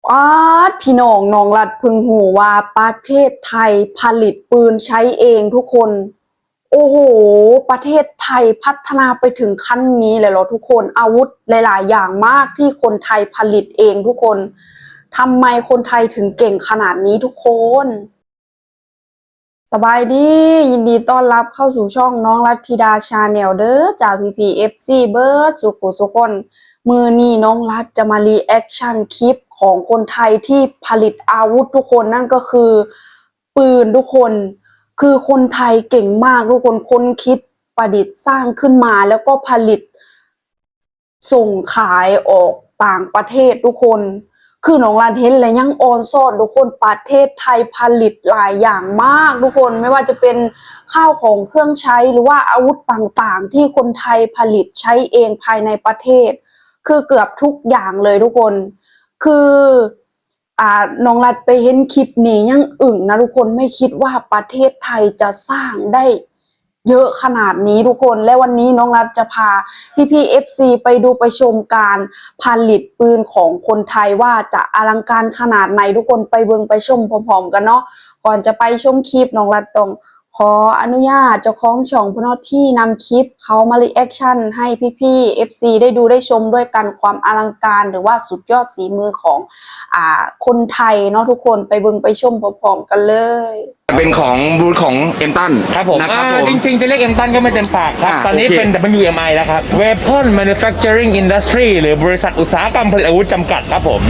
ป๊าดพี่น้องน้องรัดพึงหูว่าประเทศไทยผลิตปืนใช้เองทุกคนโอ้โหประเทศไทยพัฒนาไปถึงขั้นนี้เลยเหรอทุกคนอาวุธหลายๆอย่างมากที่คนไทยผลิตเองทุกคนทำไมคนไทยถึงเก่งขนาดนี้ทุกคนสบายดียินดีต้อนรับเข้าสู่ช่องน้องรัตธิดาชาแนลเด้อจากPPFC เบิร์ดสุขุสุคนมือนี้น้องรัฐจะมารีแอคชั่นคลิปของคนไทยที่ผลิตอาวุธทุกคนนั่นก็คือปืนทุกคนคือคนไทยเก่งมากทุกคนค้นคิดประดิษฐ์สร้างขึ้นมาแล้วก็ผลิตส่งขายออกต่างประเทศทุกคนคือน้องรันเห็นและยังออนซ่อนทุกคนประเทศไทยผลิตหลายอย่างมากทุกคนไม่ว่าจะเป็นข้าวของเครื่องใช้หรือว่าอาวุธต่างๆที่คนไทยผลิตใช้เองภายในประเทศคือเกือบทุกอย่างเลยทุกคนคือน้องรัดไปเห็นคลิปนี้ยังอึ่งนะทุกคนไม่คิดว่าประเทศไทยจะสร้างได้เยอะขนาดนี้ทุกคนและวันนี้น้องรัฐจะพาพี่ FC ไปดูไปชมการผลิตปืนของคนไทยว่าจะอลังการขนาดไหนทุกคนไปเบิ่งไปชมพร้อมๆกันเนาะก่อนจะไปชมคลิปน้องรัฐต้องขออนุญาตเจ้าของช่องพนที่นำคลิปเขามารีแอคชั่นให้พี่ FC ได้ดูได้ชมด้วยกันความอลังการหรือว่าสุดยอดฝีมือของคนไทยเนาะทุกคนไปเบิ่งไปชมพร้อมๆกันเลยเป็นของบูธของเอ็มตันครับผมนะครับจริงๆจะเรียกเอ็มตันก็ไม่เต็มปากครับตอนนี้เป็น WMI แล้วครับ Weapon Manufacturing Industry หรือบริษัทอุตสาหกรรมผลิตอาวุธจำกัดครับผม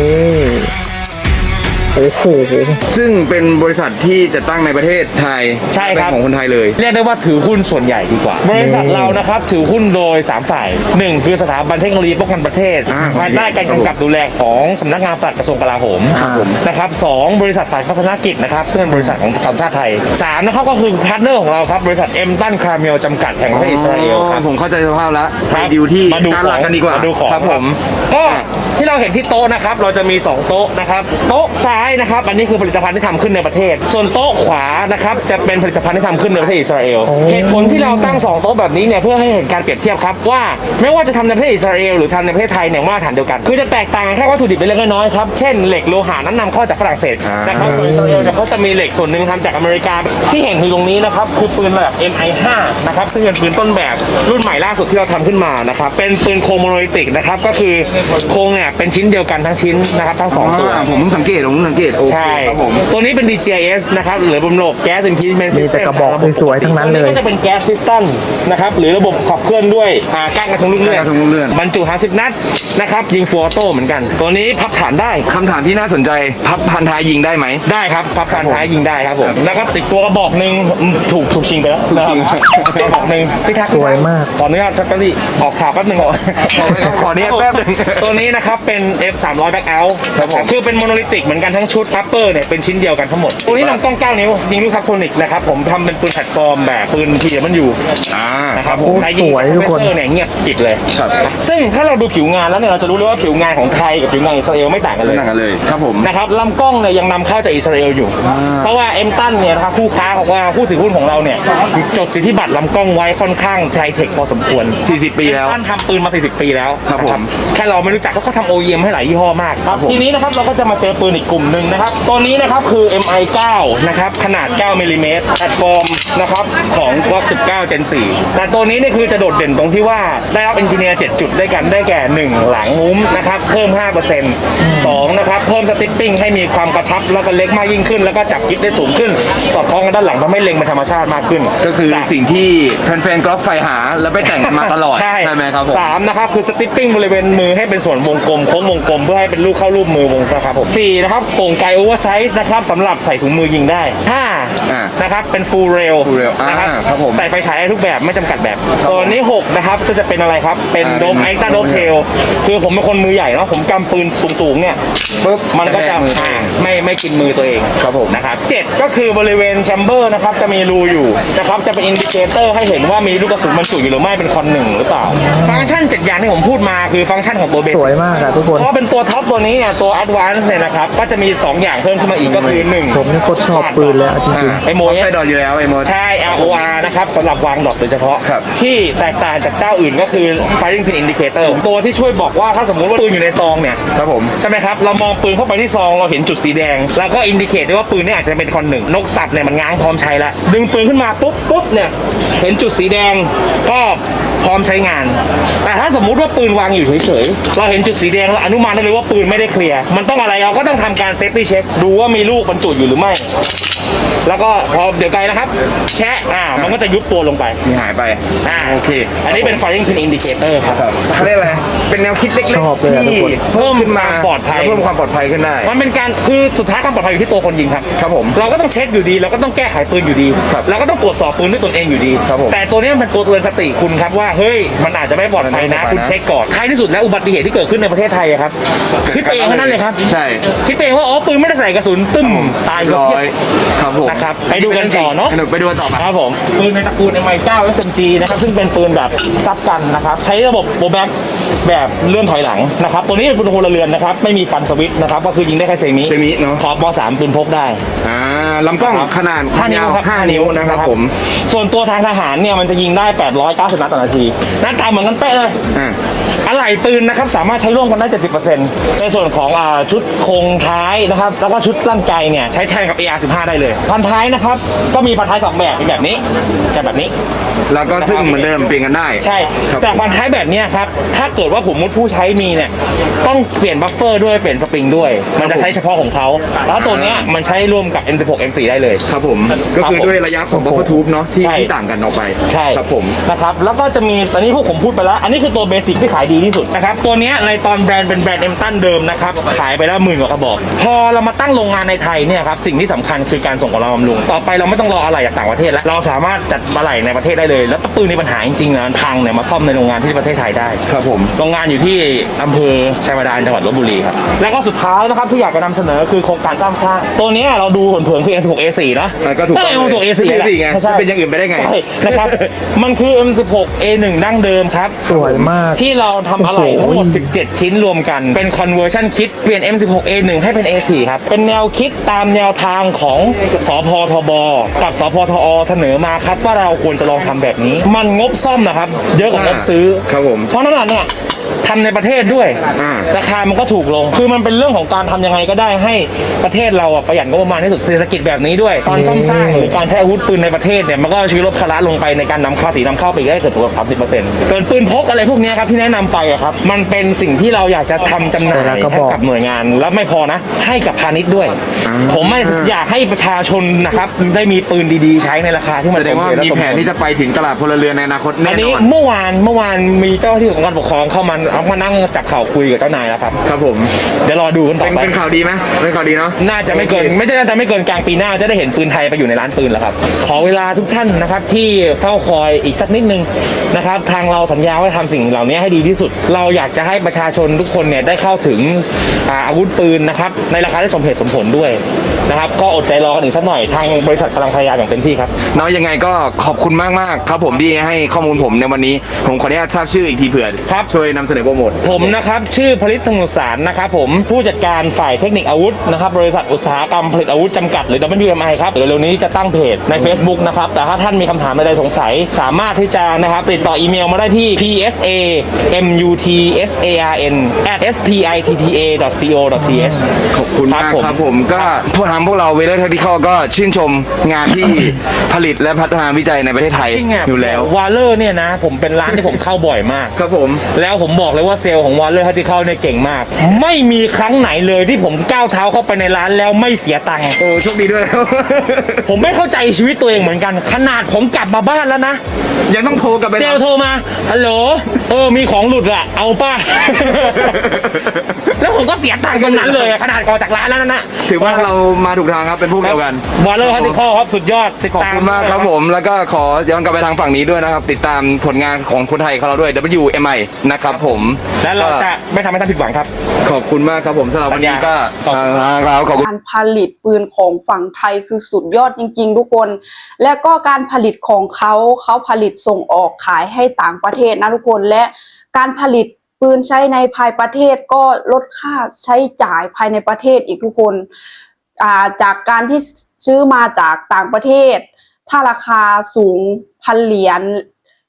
โอ้โหซึ่งเป็นบริษัทที่จะตั้งในประเทศไทยใช่ครับเป็นของคนไทยเลยเรียกได้ว่าถือหุ้นส่วนใหญ่ดีกว่าบริษัทเรานะครับถือหุ้นโดย3ฝ่าย1คือสถาบันเทคโนโลยีป้องกันประเทศภายใต้การกำกับดูแลของสำนักงานปลัดกระทรวงกลาโหมนะครับ2บริษัทสายพัฒนกิจนะครับซึ่งเป็นบริษัทของสัญชาติไทย3นะครับก็คือพาร์ทเนอร์ของเราครับบริษัทเอ็มตันคาร์เมลจำกัดแห่งประเทศอิสราเอลครับผมเข้าใจสภาพแล้วไปดูที่ด้านหลังกันดีกว่าดูของครับผมก็ที่เราเห็นที่โต๊ะนะครับเราจะมี2โต๊ะนะครับโต๊ะซ้ายนะครับอันนี้คือผลิตภัณฑ์ที่ทำขึ้นในประเทศส่วนโต๊ะขวานะครับจะเป็นผลิตภัณฑ์ที่ทำขึ้นในประเทศอิสราเอลเหตุผลที่เราตั้ง2โต๊ะแบบนี้เนี่ยเพื่อให้เห็นการเปรียบเทียบครับว่าไม่ว่าจะทำในประเทศอิสราเอลหรือทำในประเทศไทยเนี่ยมาตรฐานเดียวกันคือจะแตกต่างแค่วัตถุดิบเล็กน้อยครับเช่นเหล็กโลหะนั้นนำเข้าจากฝรั่งเศสนะครับส่วนอิสราเอลเขาจะมีเหล็กส่วนหนึ่งทำจากอเมริกาที่เห็นคือตรงนี้นะครับคือปืนระดับ MI5 นะครับซึ่งเป็นปืนต้นแบบรุ่นใหม่ล่าสุดที่เราทำขึ้นมานะครับเป็นปืนโครงโมโนลิติกนะครับก็คือโครงเนี่ยเป็นชิ้นเดียวกันทั้งชิ้นนะครับทั้ง2ตัวผมสังเกตใช่ตัวนี้เป็น DGIS นะครับหรือระบบแก๊ส Impingement System มีแต่กระบอกสวยๆทั้งนั้นเลยก็จะเป็นแก๊สพิสตันนะครับหรือระบบขับเคลื่อนด้วยก้านกระทงลูกเลื่อนบรรจุ50 นัดนะครับยิงฟูออโต้เหมือนกันตัวนี้พับฐานได้คำถามที่น่าสนใจพับพันท้ายยิงได้ไหมได้ครับพับพันท้ายยิงได้ครับผมแล้วก็ติดตัวกระบอกหนึ่งถูกชิงไปแล้วกระบอกหนึ่งพี่ทักสวยมากตอนนี้ทักก็ออกข่าวแป๊บนึงขอเนี้ยแป๊บนึงตัวนี้นะครับเป็น F300 Back Out คือเป็นโมโนลิติกเหมือนกันทั้งชุดพับเปอร์เนี่ยเป็นชิ้นเดียวกันทั้งหมดตัวนี้ลำกล้อง9 นิ้วยิงลูกคาร์โทนิกนะครับผมทำเป็นปืนแพลตฟอร์มแบบปืนทีมันอยู่นะครับผมสวยทุกคนเนี่ยเงียบปิดเลยซึ่งถ้าเราดูผิวงานแล้วเนี่ยเราจะรู้เลยว่าผิวงานของไทยกับผิวงานอิสราเอลไม่ต่างกันเลยครับผมนะครับลำกล้องเนี่ยยังนำเข้าจากอิสราเอลอยู่เพราะว่าเอ็มตันเนี่ยนะครับผู้ค้าของว่าผู้ถือหุ้นของเราเนี่ยจดสิทธิบัตรลำกล้องไว้ค่อนข้างไฮเทคพอสมควร 40 ปีแล้วเอ็มตันทำปืนมา40 ปีแล้วครับผมแค่เราไม่รู้จักเขาทำ OEM ให้หลายยี่ห้อมากทีนี้นะครับเราก็จะมาเจอปืนอีกกลุ่มหนึ่งนะครับตัวนี้นะครับคือ MI9 นะครับขนาด9 มิลลิเมตรแพลตฟอร์มนะครับของ Glock 19 Gen 4แต่ตัวนี้นี่คือจะโดดเด่นตรงที่ว่าได้รับเอนจิเนียร์7จุดด้วยกันได้แก่1หลังมุ้มนะครับเพิ่ม 5% 2นะครับเพิ่มสติ๊ปปิ้งให้มีความกระชับแล้วก็เล็กมากยิ่งขึ้นแล้วก็จับกิ๊บได้สูงขึ้นสอดคล้องกันด้านหลังทำให้เล็งเป็นธรรมชาติมากขึ้นก็คือสิ่งที่แฟนๆกอล์ฟไฟหาแล้วไปแต่งมาตลอดใช่ไหมครับผม3นะครับคือสติ๊ปปิ้งบริเวณมือให้เป็นส่วนวงกลมโค้งวงกลมเพื่อให้เป็นลูกเข้ารูปมือวงนะครับผม4นะครับโก่งไกโอเวอร์ไซส์นะครับสำหรับใส่ถุงมือยิงได้5นะครับเป็นฟูลเรลนะครับใส่ไฟฉายได้ทุกแบบไม่จำกัดแบบส่วนนี้6นะครับก็จะเป็นอะไรครับเป็นโดมไอต้าโดมเทลคือผมเป็นคนมือใหญ่เนาะผมกำปืนสูงๆเนี่ยปุ๊บมันก็จะไม่กินมือตัวเองครับผมนะครับ7ก็คือบริเวณแชมเบอร์นะครับจะมีรูอยู่นะครับจะเป็นอินดิเคเตอร์ให้เห็นว่ามีลูกกระสุนบรรจุอยู่หรือไม่เป็นคอน1หรือเปล่าฟังก์ชัน7อย่างที่ผมพูดมาคือฟังก์ชันของตัวเบสสวยมากอะทุกคนเพราะเป็นตัวท็อปตัวนี้เนี่ยตัวแอดวานซ์เนี่ยนะครับก็จะมี2อย่างเพิ่มขึ้นมาอีกก็คือ1 ผมนี่โคตรชอบปืนเลยจริงๆMOS ใช้ดอทอยู่แล้วใช่ ROR นะครับสำหรับวางดอทโดยเฉพาะที่แตกต่างจากเจ้าอื่นก็คือ Firing Pin Indicator ตัวที่ช่วยบอกว่าถ้าสมมุติว่าปืนอยู่ในซองเนี่ยครับผมใช่ไหมครับเรามองปืนนเข้าไปที่ซองเราเห็นจุดสีแดงแล้วก็อินดิเคตได้ว่าปืนนี้อาจจะเป็นคอนหนึ่งนกสับเนี่ยมันง้างพร้อมใช้แล้วดึงปืนขึ้นมาปุ๊บเนี่ยเห็นจุดสีแดงก็พร้อมใช้งานแต่ถ้าสมมุติว่าปืนวางอยู่เฉยๆเราเห็นจุดสีแดงเราอนุมานได้เลยว่าปืนไม่ได้เคลียร์มันต้องอะไรเราก็ต้องทำการเซฟตี้เช็คดูว่ามีลูกบรรจุอยู่หรือไม่แล้วก็พอเดี๋ยวไกลนะครับแชะมันก็จะยุบตัวลงไปมีหายไปโอเคอันนี้เป็น firing pin indicator ครับเขาเรียกอะไรเป็นแนวคิดเล็กชอบเลยอะทุกที่คนเพิ่มขึ้นมาเพิ่มความปลอดภัยเพิ่มความปลอดภัยขึ้นได้มันเป็นการคือสุดท้ายความปลอดภัยอยู่ที่ตัวคนยิงครับครับผมเราก็ต้องเช็คอยู่ดีเราก็ต้องแก้ไขปืนอยู่ดีครับเราก็ต้องตรวจสอบปืนด้วยตนเองอยู่ดีครับผมแต่ตัวนี้มันเป็นตัวเตือนสติคุณครับว่าเฮ้ยมันอาจจะไม่ปลอดภัยนะมันไม่ปลอดภัยนะคุณเช็คก่อนท้ายที่สุดแล้วอุบัติเหตุที่เกิดขึ้นในประเทศไทยอะครับคิดเองเท่านั้นเลยครับใช่คิดเองว่าอ๋อปืนไม่ได้ใส่กระสุนตึ้มตายร้เพีอยยบครับผมนะครับไปดูกันต่อเนอะไปดูกันต่อไปครับผมปืนในตระกูล M9 SMG นะครับซึ่งเป็นปืนแบบซับกันนะครับใช้ระบบโบแบ็กแบบเลื่อนถอยหลังนะครับตัวนี้เป็นปืนพลเรือนนะครับไม่มีฟันสวิตช์นะครับก็คือยิงได้แค่เซมิเนาะขอบม3ปืนพกได้ลำกล้องขนาด 5 นิ้วครับ 5 นิ้วนะครับผมส่วนตัวทางทหารเนี่ยมันจะยิงได้890นัดต่อนาทีหน้าตาเหมือนกันเป๊ะเลยอ่าอะไหล่ปืนนะครับสามารถใช้ร่วมกันได้ 70%ในส่วนของชุดโครงท้ายนะครับแล้วก็ชุดลั่นไกเนี่ยใช้แทนกับ AR-15 ได้เลยพันท้ายนะครับก็มีพันท้าย2แบบเป็นแบบนี้กับแบบนี้แล้วก็ซึ่งเหมือนเดิมเปลี่ยนกันได้ใช่ครับแต่พันท้ายแบบเนี้ยครับถ้าเกิดว่าผมมุดผู้ใช้มีเนี่ยต้องเปลี่ยนบัฟเฟอร์ด้วยเปลี่ยนสปริงด้วยมันจะใช้เฉพาะของเขาแล้วตัวเนี้ยมันใช้ร่วมกับ M16 M4 ได้เลยครับผมก็คือด้วยระยะของ buffer tube เนาะที่ใช่ต่างกันออกไปใช่ครับผมนะครับแล้วก็จะมีตอนนี้พวกผมพูดไปแล้ว อันนี้คือตัวเบสิกที่ขายดีที่สุดนะครับตัวเนี้ยในตอนแบรนด์เป็นแบรนด์เอ็มตันเดิมนะครับขายไปแล้ว10,000 กว่ากระบอก พอเรามาตั้งโรงงานในไทยเนี่ยครับสิ่งที่สำคัญคือการส่งของเราบำรุงต่อไปเราไม่ต้องรออะไหล่จากต่างประเทศแล้วเราสามารถจัดอะไหล่ในประเทศได้เลย แล้วปืนมีปัญหาจริงๆนะพังเนี่ยมาซ่อมในโรงงานที่ประเทศไทยได้ครับผมโรงงานอยู่ที่อำเภอชัยบาดาลจังหวัดลบบุรีครับแล้วก็สุดท้ายนะครับที่อยากจะนำเสนอคือโครงการสร้างตัวเนี้ยเราดูเผินๆคือ M16 A4 เนาะก็ถูกต้อง M16 A4 แหละไงใช่เป็นอย่างอื่นไปได้ไงใช่นะครับ มันคือ M16 A1 ดั้งเดิมครับสวยมากที่เราทำอะไหล่ทั้งหมด 17 ชิ้นรวมกัน เป็น conversion kit เปลี่ยน M16 A1 ให้เป็น A4 ครับ เป็นแนวคิดตามแนวทางของสพทบ กับสพทอ เสนอมาครับว่าเราควรจะลองทำแบบนี้ มันงบซ่อมนะครับ เยอะกว่างบซื้อครับผมเพราะนั่นเนี่ยทำในประเทศด้วยอ่าราคามันก็ถูกลง คือมันเป็นเรื่องของการทำยังไงก็ได้ให้ประเทศเราประหยัดงบประมาณที่สุดเศรษฐกิจแบบนี้ด้วย ตอนซ่อมสร้างหรือการใช้อาวุธปืนในประเทศเนี่ยมันก็ช่วยลดภาระลงไปในการนำภาษีนำเข้าไปอีกได้เกือบ 30%เกินปืนพกอะไรพวกนี้ครับที่แนะนำไปอะครับมันเป็นสิ่งที่เราอยากจะทำจำหน่ายแต่ละกระบให้อกกับหน่วยงานแล้วไม่พอนะ ให้กับพาณิชย์ด้วย ผมไม่อยากให้ประชาชนนะครับได้มีปืนดีๆ ใช้ในราคาที่มันแสดงว่าสเหตุและมีสแผนผลที่จะไปถึงตลาดพลเรือนในอนาคตอัแน่นนนี้อนเมื่อวานมีเจ้าหน้าที่ของการปกครองเข้ามานั่งจับเข่าคุยกับเจ้านายแล้วครับครับผมเดี๋ยวรอดูกันต่อไปเป็นข่าวดีไหมเป็นข่าวดีเนาะน่าจะไม่เกินน่าจะไม่เกินกลางปีหน้าจะได้เห็นปืนไทยไปอยู่ในร้านปืนแล้วครับ ขอเวลาทุกท่านนะครับที่เฝ้าคอยอีกสักนิดนึงนะครับทางเราสัญญาว่าจะทำสิ่งเหล่านี้ให้ดีที่สุด เราอยากจะให้ประชาชนทุกคนเนี่ยได้เข้าถึงอาวุธปืนนะครับในราคาที่สมเหตุสมผลด้วยนะครับก็อดใจรอกันอีกสักหน่อยทางบริษัทกำลังพยายามอย่างเต็มที่ครับเนาะยังไงก็ขอบคุณมากๆครับผมที่ให้ข้อมูลผมในวันนี้ผมขออนุญาตทราบชื่ออีกทีเผื่อครับช่วยนำเสนอโปรโมทผมนะครับชื่อผลิตสมุทรสารนะครับผมผู้จัดการฝ่ายเทคนิคอาวุธนะครับบริษัทอุตสาหกรรมผลิตอาวุธจำกัดหรือ WMI ครับเดี๋ยวเร็วนี้จะตั้งเพจใน Facebook นะครับแต่ถ้าท่านมีคำถามใดๆสงสัยสามารถที่จะนะครับติดต่ออีเมลมาได้ที่ psamutsa@spitta.co.th ขอบคุณมากครับผมก็พวกพวกเราเวเลอร์เทคนิคก็ชื่นชมงานที่ ผลิตและพัฒนาวิจัยในประเทศไทยจริงๆอยู่แล้ววาเลอร์เนี่ยนะผมเป็นร้านที่ผมเข้าบ่อยมากครับผมแล้วผมบอกเลยว่าเซลล์ของวอลเลอร์ฮัตติเข้าเนี่ยเก่งมาก ไม่มีครั้งไหนเลยที่ผมก้าวเท้าเข้าไปในร้านแล้วไม่เสียตังค์โอ้โชคดีด้วยผมไม่เข้าใจชีวิตตัวเองเหมือนกัน ขนาดผมกลับมาบ้านแล้วนะยังต้องโทรกลับไปเซลล์โทรมาฮัลโหลมีของหลุดอะเอาป้า แล้วผมก็เสียตังค์ตรงนั้นเลยขนาดออกจากร้านแล้วนั่นนะถือว่าเรามาถูกทางครับเป็นพวกเดียวกันวอลเลอร์ฮัตติเข้าครับสุดยอดติดขอบตามคุณมากครับผมแล้วก็ขอย้อนกลับไปทางฝั่งนี้ด้วยนะครับ ติดตามผลงานของคนไทยของเราด้วย WMI นะครับผมและเราจะไม่ทำให้ท่านผิดหวังครับขอบคุณมากครับผมสำหรับวันนี้ก็ขอบคุณครับขอบคุณการผลิตปืนของฝั่งไทยคือสุดยอดจริงๆทุกคน และก็การผลิตของเขาผลิตส่งออกขายให้ต่างประเทศนะทุกคน และการผลิตปืนใช้ในภายประเทศก็ลดค่าใช้จ่ายภายในประเทศอีกทุกคนจากการที่ซื้อมาจากต่างประเทศ ถ้าราคาสูง1,000 เหรียญ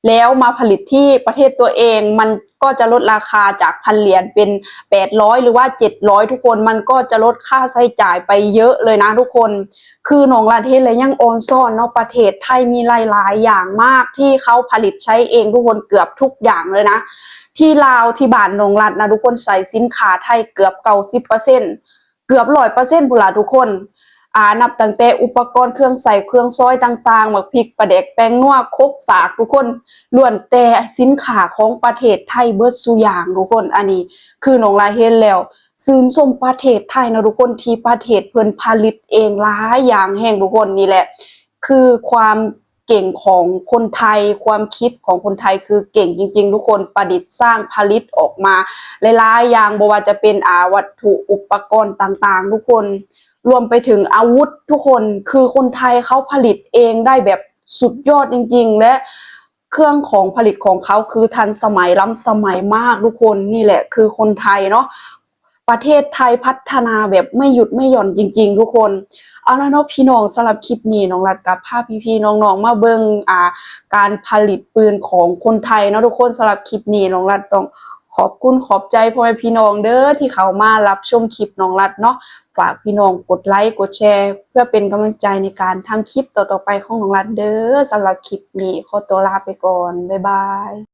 แล้วมาผลิตที่ประเทศตัวเองมันก็จะลดราคาจาก1,000 เหรียญเป็น800หรือว่า700ทุกคนมันก็จะลดค่าใช้จ่ายไปเยอะเลยนะทุกคนคือน้องรัฐเฮ็ดเลยยังออนซ่อนเนาะประเทศไทยมีหลายๆอย่างมากที่เขาผลิตใช้เองทุกคนเกือบทุกอย่างเลยนะที่ลาวที่บ้านน้องรัฐนะทุกคนใส่สินค้าไทยเกือบ90%เกือบ100%พุ่นล่ะทุกคนนับตั้งแต่อุปกรณ์เครื่องใส่เครื่องซอยต่างๆหมักพริกปลาแดกแป้งนัวครกสากทุกคนล้วนแต่สินค้าของประเทศไทยเบิดซุอย่างทุกคนอันนี้คือน้องลาเห็นแล้วซื่นชมประเทศไทยนะทุกคนที่ประเทศเพิ่นผลิตเองหลายอย่างแห่งทุกคนนี่แหละคือความเก่งของคนไทยความคิดของคนไทยคือเก่งจริงๆทุกคนประดิษฐ์สร้างผลิตออกมาหลายๆอย่างบ่ว่าจะเป็นวัตถุอุปกรณ์ต่างๆทุกคนรวมไปถึงอาวุธทุกคนคือคนไทยเขาผลิตเองได้แบบสุดยอดจริงๆและเครื่องของผลิตของเขาคือทันสมัยล้ำสมัยมากทุกคนนี่แหละคือคนไทยเนาะประเทศไทยพัฒนาแบบไม่หยุดไม่หย่อนจริงๆทุกคนเอาละเนาะพี่น้องสำหรับคลิปนี้น้องรัดกับพาพี่ๆน้องๆมาเบิ่งการผลิตปืนของคนไทยเนาะทุกคนสำหรับคลิปนี้น้องรัดต้องขอบคุณขอบใจพ่อแม่พี่น้องเด้อที่เขามารับชมคลิปน้องรัดเนาะฝากพี่น้องกดไลค์กดแชร์เพื่อเป็นกำลังใจในการทำคลิปต่อๆไปของน้องรัดเด้อสำหรับคลิปนี้ขอตัวลาไปก่อนบ๊ายบาย